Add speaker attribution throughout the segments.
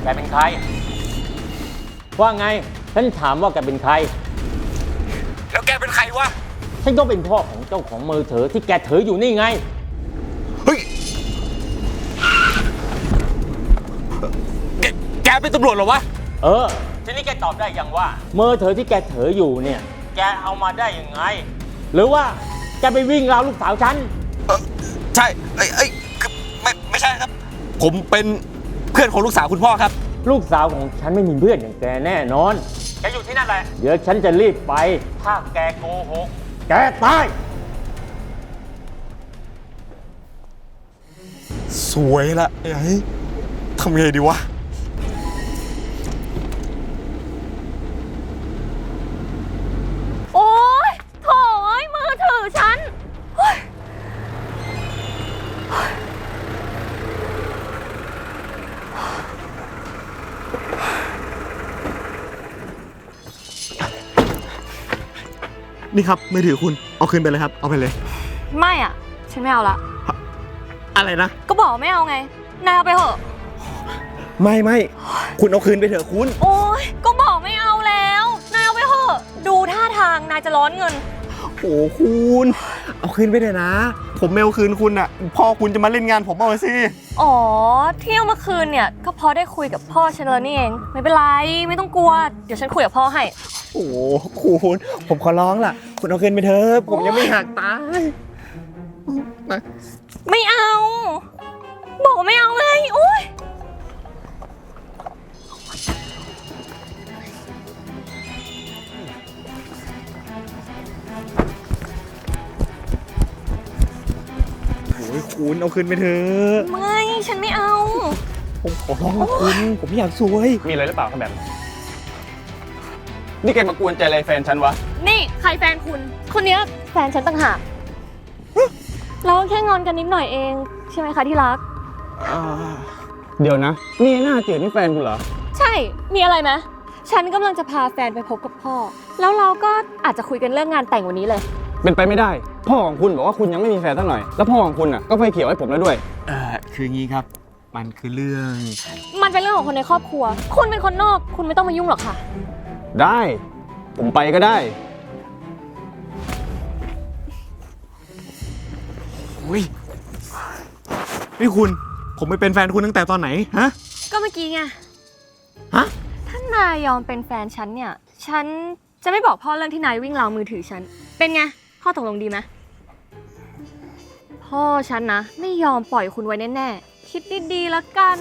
Speaker 1: แกเป็นใครว่าไงฉันถามว่าแกเป็นใคร
Speaker 2: แล้วแกเป็นใครวะ
Speaker 1: ฉันก็เป็นพ่อของเจ้าของมือถือที่แกถืออยู่นี่ไง
Speaker 2: เฮ้ยแกเป็นตำรวจเหรอวะ
Speaker 1: ทีนี้แกตอบได้ยังว่ามือถือที่แกถืออยู่เนี่ยแกเอามาได้ยังไงหรือว่าแกไปวิ่งราวลูกสาวฉัน
Speaker 2: ใช่คือไม่ใช่ครับผมเป็นเพื่อนของลูกสาวคุณพ่อครับ
Speaker 1: ลูกสาวของฉันไม่มีเพื่อนอย่างแกแน่นอนแกอยู่ที่นั่นแหละเดี๋ยวฉันจะรีบไปถ้าแกโกหกแกตาย
Speaker 2: สวยละไอ้ทำไงดีวะ
Speaker 3: โอ๊ยโถ่มือถือฉัน
Speaker 2: นี่ครับมือถือคุณเอาคืนไปเลยครับเอาไปเลย
Speaker 3: ไม่อ่ะฉันไม่เอาละ
Speaker 2: อะไรนะ
Speaker 3: ก็บอกไม่เอาไงนายเอาไปเถอะ
Speaker 2: ไม่คุณเอาคืนไปเถอะคุณ
Speaker 3: โอ๊ยก็บอกไม่เอาแล้วนายเอาไปเถอะดูท่าทางนายจะร้อนเงิน
Speaker 2: โอ้คุณเอาคืนไปเถอะนะผมไม่เอาคืนคุณอ่ะพ่อคุณจะมาเล่นงานผมเอาสิ
Speaker 3: อ๋อเที่ยวเมื่อคืนเนี่ยก็พอได้คุยกับพ่อฉันแล้วนี่เองไม่เป็นไรไม่ต้องกลัวเดี๋ยวฉันคุยกับพ่อให้
Speaker 2: โอ้คุณผมขอร้องล่ะคุณเอาคืนไปเถอะผมยังไม่หักตาย
Speaker 3: ไม่เอาบอกไม่เอาไงโอ๊ย
Speaker 2: คุณเอาคืนไปเถอะ
Speaker 3: ไม่ฉันไม่เอา
Speaker 2: ผมขอร้องคุณผมไม่อยากซวย
Speaker 4: มีอะไรหรือเปล่าครับแบบนี่แกมากวนใจอะไรแฟนฉันวะ
Speaker 3: นี่ใครแฟนคุณคนนี้แฟนฉันต่างหากเราแค่งอนกันนิดหน่อยเองใช่ไหมคะที่รัก
Speaker 4: เดี๋ยวนะนี่หน้าเจ๋อนี่แฟนคุณเหรอ
Speaker 3: ใช่มีอะไรไหมฉันกำลังจะพาแฟนไปพบกับพ่อแล้วเราก็อาจจะคุยกันเรื่องงานแต่งวันนี้เลย
Speaker 4: เป็นไปไม่ได้พ่อของคุณบอกว่าคุณยังไม่มีแฟนสักหน่อยแล้วพ่อของคุณอ่ะก็ไฟเขียวให้ผมแล้วด้วย
Speaker 2: คืองี้ครับมันคือเรื่อง
Speaker 3: มันเป็นเรื่องของคนในครอบครัวคุณเป็นคนนอกคุณไม่ต้องมายุ่งหรอกค่ะ
Speaker 4: ได้ผมไปก็ได้
Speaker 2: นี่คุณผมไปเป็นแฟนคุณตั้งแต่ตอนไหนฮะ
Speaker 3: ก็เมื่อกี้ไง
Speaker 2: ฮะ
Speaker 3: ถ้านายยอมเป็นแฟนฉันเนี่ยฉันจะไม่บอกพ่อเรื่องที่นายวิ่งราวมือถือฉันเป็นไงพ่อตกลงดีไหมพ่อฉันนะไม่ยอมปล่อยคุณไว้แน่ๆคิดดีๆแล้วกัน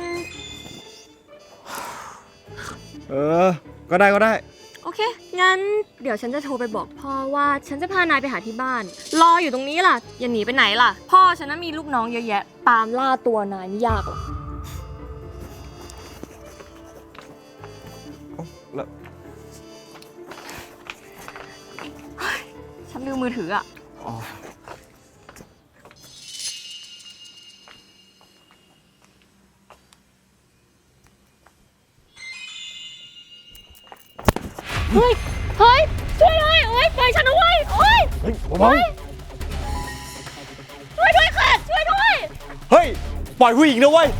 Speaker 2: ก็ได้
Speaker 3: โอเคงั้นเดี๋ยวฉันจะโทรไปบอกพ่อว่าฉันจะพานายไปหาที่บ้านรออยู่ตรงนี้ล่ะอย่าหนีไปไหนล่ะพ่อฉันน่ะมีลูกน้องเยอะแยะตามล่าตัวนายไม่ยากหรอก
Speaker 2: แล้ว
Speaker 3: ฉันลืมมือถืออ่ะเฮ้ยช่วยด้วยโอ๊ยปล่อยฉันเอาไว้โอ๊ยช่วยด้วยค่ะช่วยด้วย
Speaker 2: เฮ้ยปล่อยผู้หญิงนะเว้ย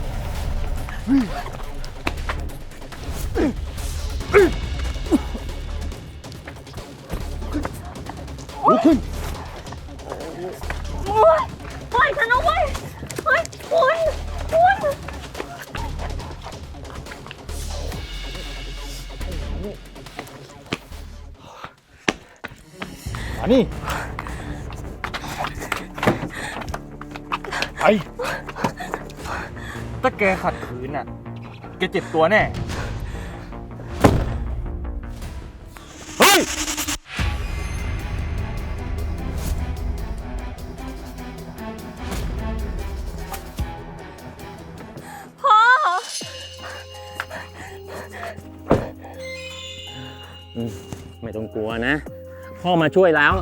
Speaker 4: ลุกขึ้น
Speaker 3: ปล่อยฉันเอาไว้เฮ้ยคุณ
Speaker 4: นี่
Speaker 2: ไอ้ถ้าแกขัดขืนน่ะแกเจ็บตัวแน่เฮ้ย
Speaker 3: พ่อ
Speaker 1: ไม่ต้องกลัวนะพ่อมาช่วยแล้ว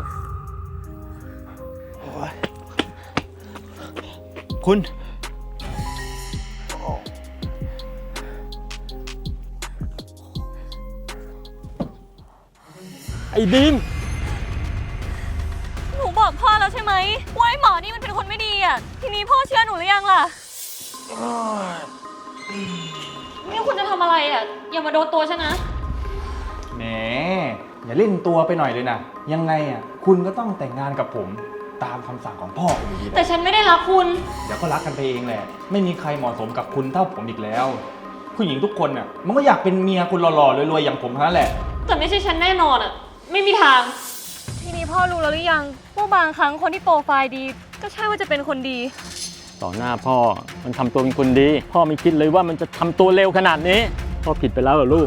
Speaker 2: คุณ
Speaker 1: ไอ้บีม
Speaker 3: หนูบอกพ่อแล้วใช่ไหมว่าไอ้หมอนี่มันเป็นคนไม่ดีอ่ะทีนี้พ่อเชื่อหนูหรือยังล่ะนี่คุณจะทำอะไรอ่ะ อย่ามาโดนตัวฉันนะ
Speaker 5: แหมอย่าเล่นตัวไปหน่อยเลยนะยังไงอ่ะคุณก็ต้องแต่งงานกับผมตามคำสั่งของพ่อคุณอยู่ดีแห
Speaker 3: แต่
Speaker 5: ละ
Speaker 3: ฉันไม่ได้รักคุณ
Speaker 5: เดี๋ยวก็รักกันไปเองแหละไม่มีใครเหมาะสมกับคุณเท่าผมอีกแล้ว ผู้หญิงทุกคนน่ะมันก็อยากเป็นเมียคุณหล่อๆรวยๆอย่างผมเท่านั้นแหละ
Speaker 3: แต่ไม่ใช่ฉันแน่นอนอ่ะ ไม่มีทาง ทีนี้พ่อรู้แล้วหรือยังว่าบางครั้งคนที่โปรไฟล์ดี ก็ใช่ว่าจะเป็นคนดี
Speaker 1: ต่อหน้าพ่อมันทำตัวเป็นคนดี พ่อไม่คิดเลยว่ามันจะทำตัวเร็วขนาดนี้ พ่อผิดไปแล้วเหรอลูก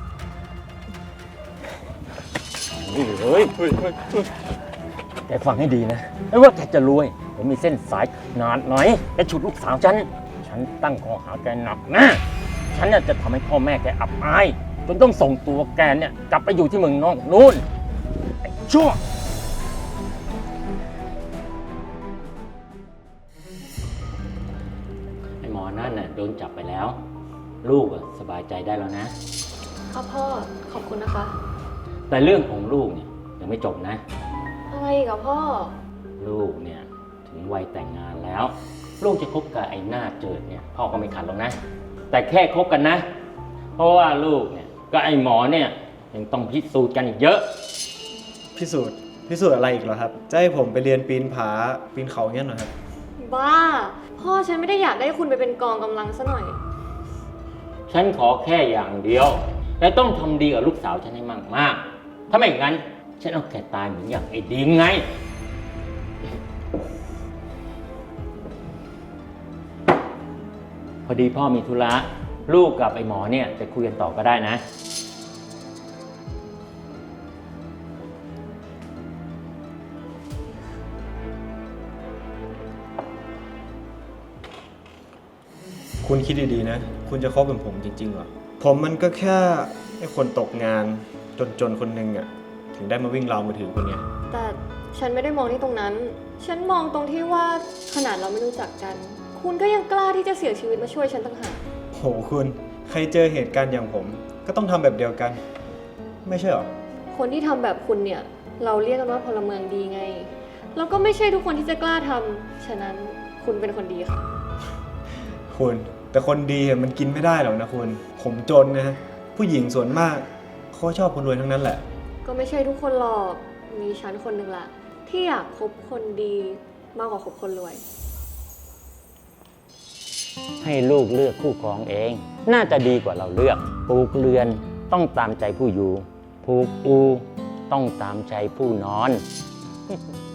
Speaker 1: เฮ้ยแกฟังให้ดีนะไม่ว่าแกจะรวยผมมีเส้นสายขนาดไหนแกฉุดลูกสาวฉันตั้งข้อหาแกหนักนะฉันเนี่ยจะทำให้พ่อแม่แกอับอายจนต้องส่งตัวแกเนี่ยกลับไปอยู่ที่เมืองนอกนู่นไอ้ชั่วไอ้หมอนั่นน่ะโดนจับไปแล้ว ลูกสบายใจได้แล้วนะ
Speaker 3: ครับพ่อ ขอบคุณนะคะ
Speaker 1: แต่เรื่องของลูกเนี่ยยังไม่จบนะ
Speaker 3: อะไรอีกับพ่อ
Speaker 1: ลูกเนี่ยถึงวัยแต่งงานแล้ว ลูกจะคบกับไอ้หน้าเจิดเนี่ยพ่อก็ไม่ขัดหรอกนะ แต่แค่คบกันนะ เพราะว่าลูกเนี่ยก็ไอ้หมอเนี่ยยังต้องพิสูจน์กันอีกเยอะ
Speaker 6: พิสูจน์อะไรอีกเหรอครับ จะให้ผมไปเรียนปีนผาปีนเขาเงี้ยเหรอครับ
Speaker 3: บ้า พ่อฉันไม่ได้อยากได้คุณไปเป็นกองกำลังซะหน่อย
Speaker 1: ฉันขอแค่อย่างเดียว และต้องทำดีกับลูกสาวฉันให้มากๆถ้าไม่งั้นฉันเอาแกตายเหมือนอย่างไอ้ดิมไง พอดีพ่อมีธุระลูกกับไอ้หมอเนี่ยไปคุยกันต่อก็ได้นะ
Speaker 6: คุณคิดดีๆนะ คุณจะคบกับผมจริงๆเหรอ ผมมันก็แค่ไอ้คนตกงานจนๆคนหนึ่งอะถึงได้มาวิ่งราวมือถือคุณไง
Speaker 3: แต่ฉันไม่ได้มองที่ตรงนั้น ฉันมองตรงที่ว่าขนาดเราไม่รู้จักกัน คุณก็ยังกล้าที่จะเสียชีวิตมาช่วยฉันต่างหาก
Speaker 6: โหคุณ ใครเจอเหตุการณ์อย่างผม ก็ต้องทำแบบเดียวกัน ไม่ใช่เหรอ
Speaker 3: คนที่ทำแบบคุณเนี่ย เราเรียกกันว่าพลเมืองดีไง แล้วก็ไม่ใช่ทุกคนที่จะกล้าทำฉะนั้นคุณเป็นคนดีค่ะ
Speaker 6: คุณ แต่คนดีอะมันกินไม่ได้หรอกนะคุณ ผมจนนะ ผู้หญิงส่วนมากเขาชอบคนรวยทั้งนั้นแหละ
Speaker 3: ก็ไม่ใช่ทุกคนหรอก มีฉันคนหนึ่งละที่อยากคบคนดีมากกว่าคบคนรวย
Speaker 1: ให้ลูกเลือกคู่ครองเอง น่าจะดีกว่าเราเลือกปลูกเรือนต้องตามใจผู้อยู่ผูกอูต้องตามใจผู้นอน